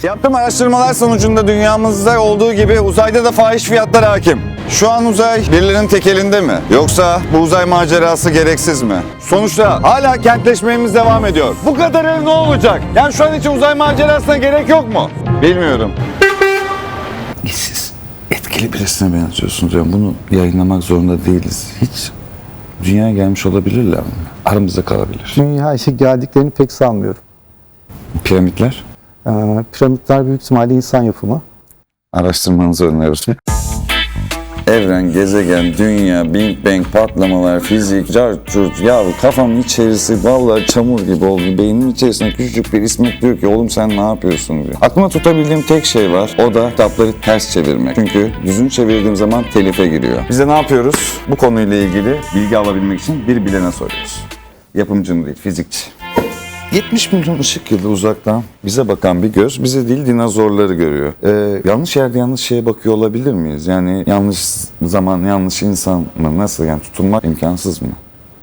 Yaptığım araştırmalar sonucunda dünyamızda olduğu gibi uzayda da fahiş fiyatlar hakim. Şu an uzay birilerinin tek elinde mi? Yoksa bu uzay macerası gereksiz mi? Sonuçta hala kentleşmemiz devam ediyor. Bu kadarı ne olacak? Yani şu an için uzay macerasına gerek yok mu? Bilmiyorum. Siz etkili birisine benziyorsunuz. Yani bunu yayınlamak zorunda değiliz. Hiç dünyaya gelmiş olabilirler mi? Aramızda kalabilir. Dünyaya geldiklerini pek sanmıyorum. Piramitler? Piramitler büyük ihtimalle insan yapımı. Araştırmanızı öneriyoruz. Evren, gezegen, dünya, Big Bang, patlamalar, fizik, cart, ya kafamın içerisi vallahi çamur gibi oldu. Beynimin içerisinde küçücük bir İsmet diyor ki oğlum sen ne yapıyorsun diyor. Aklıma tutabildiğim tek şey var. O da kitapları ters çevirmek. Çünkü düzgün çevirdiğim zaman telife giriyor. Biz de ne yapıyoruz? Bu konuyla ilgili bilgi alabilmek için bir bilene soruyoruz. Yapımcının değil, fizikçi. 70 milyon ışık yılı uzaktan bize bakan bir göz, bize değil dinozorları görüyor. Yanlış yerde yanlış şeye bakıyor olabilir miyiz? Yani yanlış zaman, yanlış insan mı? Nasıl yani tutulmak imkansız mı?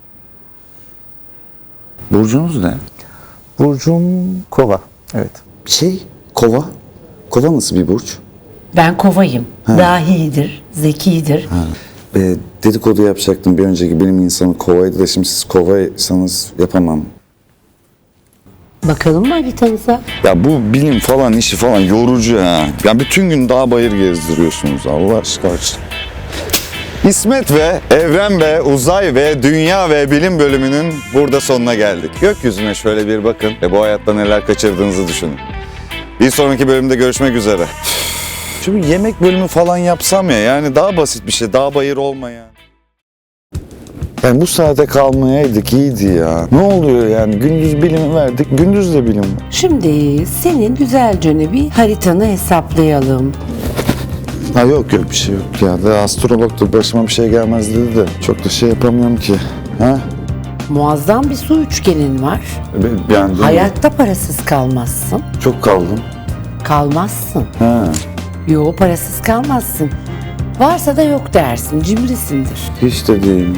Burcunuz ne? Burcum Kova. Evet. Kova. Kova nasıl bir burç? Ben kovayım. Dahidir, zekidir. Dedikodu yapacaktım bir önceki bilim insanı kovaydı da şimdi siz kovaysanız yapamam. Bakalım mı haritanıza? Ya bu bilim falan işi falan yorucu ha. Ya bütün gün dağ bayır gezdiriyorsunuz Allah aşkına. İsmet ve Evren ve Uzay ve Dünya ve Bilim bölümünün burada sonuna geldik. Gökyüzüne şöyle bir bakın ve bu hayatta neler kaçırdığınızı düşünün. Bir sonraki bölümde görüşmek üzere. Şu bir yemek bölümü falan yapsam ya, yani daha basit bir şey, dağ bayır olmayan. Yani bu saate kalmayaydık iyiydi ya. Ne oluyor yani? Gündüz bilimi verdik, gündüz de bilim var. Şimdi senin güzelce bir haritanı hesaplayalım. Ha yok bir şey yok ya. Da astrologdur başıma bir şey gelmez dedi de çok da şey yapamıyorum ki. Ha? Muazzam bir su üçgenin var. Yani Hayatta parasız kalmazsın. çok kaldım. Kalmazsın. Ha. Yo, parasız kalmazsın. Varsa da yok dersin. Cimrisindir. Hiç de değil.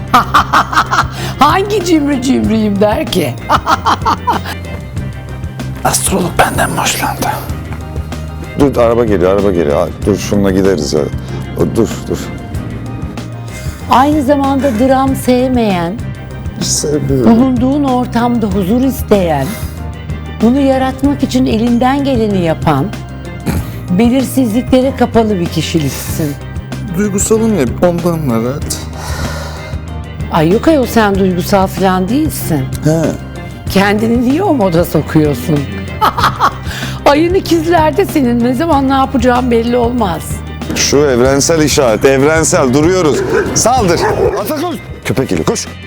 Hangi cimriyim der ki? Astrolog benden hoşlandı. Dur araba geliyor. Dur şununla gideriz ya. Dur. Aynı zamanda dram sevmeyen, bulunduğun ortamda huzur isteyen, bunu yaratmak için elinden geleni yapan, belirsizliklere kapalı bir kişiliksin. Duygusalım ya ondan var rahat. Ay yok ayol, sen duygusal falan değilsin. He. Kendini niye o moda sokuyorsun? Ayın ikizlerde senin ne zaman ne yapacağın belli olmaz. Şu evrensel işaret, evrensel duruyoruz. Saldır. Ata koş. Köpek geliyor koş.